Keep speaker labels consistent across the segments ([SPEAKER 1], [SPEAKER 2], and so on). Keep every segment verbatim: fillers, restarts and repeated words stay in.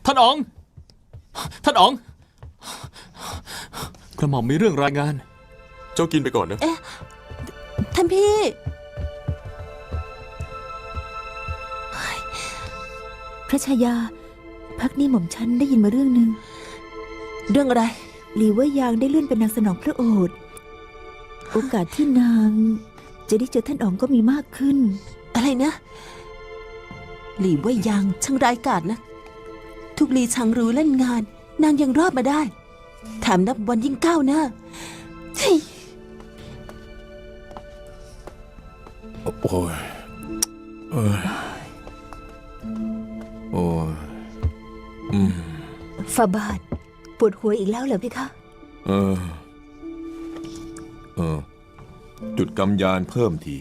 [SPEAKER 1] ท่านอ๋องท่านอ๋องกระหม่อมมีเรื่องรายงานเจ้ากินไปก่อนนะ
[SPEAKER 2] เอ๊ะท่านพี่พระชายาพักนี้หม่อมฉันได้ยินมาเรื่องหนึ่งเรื่องอะไรหลีว่ายางได้เลื่อนเป็นนางสนองพระโอษฐ์โอกาสที่นางจะได้เจอท่านอ๋องก็มีมากขึ้นอะไรนะหลีว่ายางช่างร้ายกาจนะทุกลีชังรู้เล่นงานนางยังรอดมาได้แถมนับวันยิ่งก้าวหน้า
[SPEAKER 3] โอ้ยเออโอ้ยอืม
[SPEAKER 2] ฟาบาทปวดหัวอีกแล้วเหรอพี่คะ
[SPEAKER 3] เออเออจุดกำยานเพิ่มที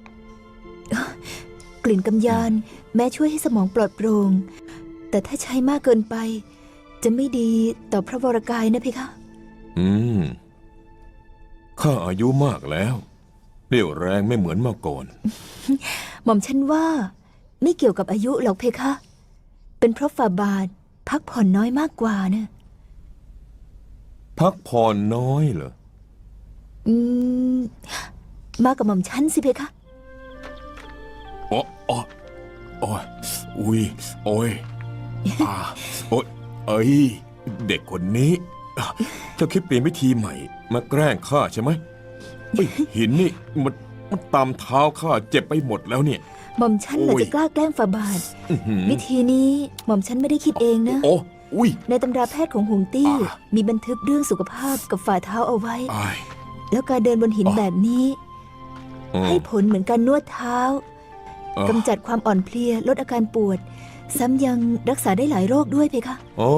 [SPEAKER 2] กลิ่นกำยานแม้ช่วยให้สมองปลอดโปร่งแต่ถ้าใช้มากเกินไปจะไม่ดีต่อพระวรกายนะพี่คะ
[SPEAKER 3] อืมข้าอายุมากแล้วเรี่ยวแรงไม่เหมือนเมื่อก่อน
[SPEAKER 2] หม่อมฉันว่าไม่เกี่ยวกับอายุหรอกเพคะเป็นเพราะฝ่าบาทพักผ่อนน้อยมากกว่านะ
[SPEAKER 3] พักผ่อนน้อยเหรอ
[SPEAKER 2] อืมมากับหม่อมฉันสิเพคะ
[SPEAKER 3] อ๋ออ๋อโอ้ยอุ้ยโอ้ยอ่าโอ้ยเอ้ยเด็กคนนี้เจ้าคิดเปลี่ยนวิธีใหม่มาแกล้งข้าใช่ไหมหินนี่มันมันตามเท้าข้าเจ็บไปหมดแล้วเนี่ย
[SPEAKER 2] หม่อมฉันเหรอจะกล้าแกล้งฝ่าบาทวิธีนี้หม่อมฉันไม่ได้คิดเองนะ
[SPEAKER 3] โอ้อุ้ย
[SPEAKER 2] ในตำราแพทย์ของหงตี้มีบันทึกเรื่องสุขภาพกับฝ่าเท้าเอาไว้แล้วการเดินบนหินแบบนี้ให้ผลเหมือนการนวดเท้ากำจัดความอ่อนเพลียลดอาการปวดซ้ำยังรักษาได้หลายโรคด้วยเพคะ
[SPEAKER 3] โอ้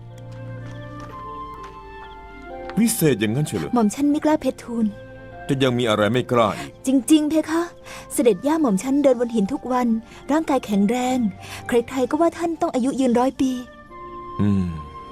[SPEAKER 3] วิเศษอย่างนั้นเฉลย
[SPEAKER 2] หม่อมฉันไม่กล้าเพชรทูล
[SPEAKER 3] จะยังมีอะไรไม่กล้า
[SPEAKER 2] จริงๆเพคะเสด็จย่าหม่อมฉันเดินบนหินทุกวันร่างกายแข็งแรงใครๆก็ว่าท่านต้องอายุยืนร้อยปี
[SPEAKER 3] อืม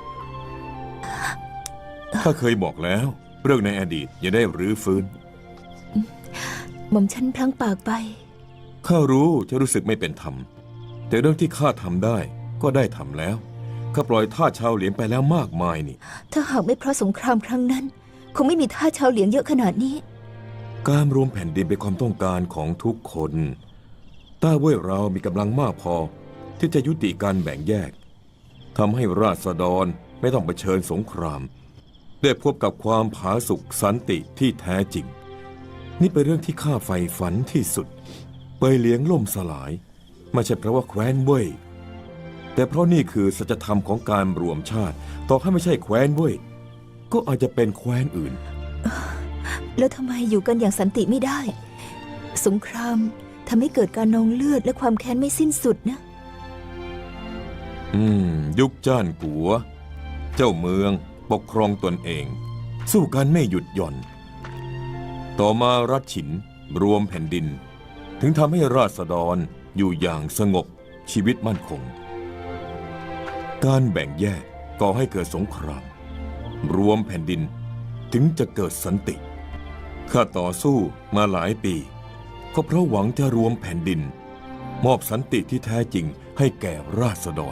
[SPEAKER 3] ข้าเคยบอกแล้วเรื่องในอดีตอย่าได้รื้อฟื้น
[SPEAKER 2] หม่อมฉันพลั้งปากไป
[SPEAKER 3] ข้ารู้จะรู้สึกไม่เป็นธรรมแต่เรื่องที่ข้าทำได้ก็ได้ทำแล้วข้าปล่อยทาสชาวเหลียงไปแล้วมากมายนี่
[SPEAKER 2] ถ้าหากไม่เพราะสงครามครั้งนั้นคงไม่มีทาสชาวเหลียงเยอะขนาดนี้
[SPEAKER 3] การรวมแผ่นดินเป็นความต้องการของทุกคนต้าเว่ยเรามีกำลังมากพอที่จะยุติการแบ่งแยกทำให้ราษฎรไม่ต้องเผชิญสงครามได้พบกับความผาสุกสันติที่แท้จริงนี่เป็นเรื่องที่ข้าใฝ่ฝันที่สุดเปยเหลียงล่มสลายไม่ใช่เพราะว่าแคว้นเว่ยแต่เพราะนี่คือสัจธรรมของการรวมชาติต่อให้ไม่ใช่แคว้นเว่ยก็อาจจะเป็นแคว้นอื่น
[SPEAKER 2] แล้วทำไมอยู่กันอย่างสันติไม่ได้สงครามทำให้เกิดการนองเลือดและความแค้นไม่สิ้นสุดนะ
[SPEAKER 3] อืมยุคจ้านกัวเจ้าเมืองปกครองตนเองสู้กันไม่หยุดหย่อนต่อมารัชฉินรวมแผ่นดินถึงทำให้ราษฎรอยู่อย่างสงบชีวิตมั่นคงการแบ่งแยกก่อให้เกิดสงครามรวมแผ่นดินถึงจะเกิดสันติข้าต่อสู้มาหลายปีก็เพราะหวังจะรวมแผ่นดินมอบสันติที่แท้จริงให้แก่ราษฎร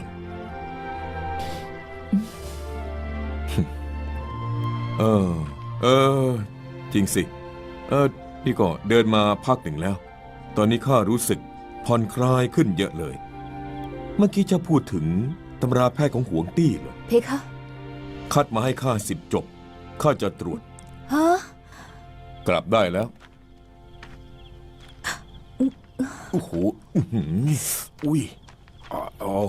[SPEAKER 3] เออเออจริงสิเออนี่ก็เดินมาพักหนึ่งแล้วตอนนี้ข้ารู้สึกผ่อนคลายขึ้นเยอะเลยเมื่อกี้จะพูดถึงตำราแพทย์ของหวงตี้เหรอ
[SPEAKER 2] เพคะ
[SPEAKER 3] คัดมาให้ข้าสิบจบข้าจะตรวจ
[SPEAKER 2] ฮะ
[SPEAKER 3] กลับได้แล้วโอ้โหอุ้ยอ๋อ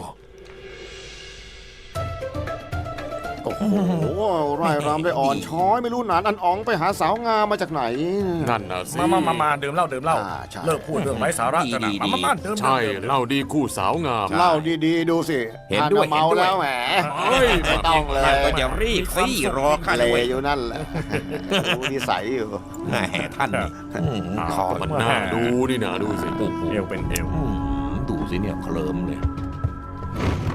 [SPEAKER 4] โอ้โหไร่รำได้อ่อนช้อยไม่รู้หนานอันอ๋องไปหาสาวงามมาจากไหน
[SPEAKER 1] นั่นน่ะสิ
[SPEAKER 5] มามามามาดื่มเหล้าดื่มเหล้าเลิกพูดเรื่องไร้สาระกันนะมามามาดื่ม
[SPEAKER 1] ใช่เหล้าดีคู่สาวงาม
[SPEAKER 4] เหล้าดีๆดูสิ
[SPEAKER 5] เห็นด้วย
[SPEAKER 4] เมาแล้วแหมไม่ต้องเลย
[SPEAKER 5] ก็จะรีบสิรอข้า
[SPEAKER 4] เลยอยู่นั่นแหละดูนิสัยอยู่
[SPEAKER 5] แหมท่านนี่
[SPEAKER 1] คอมันน่าดูนี่นะดูสิ
[SPEAKER 5] เอวเป็นเอว
[SPEAKER 3] ดูสิเนี่ยเคลิ้มเลย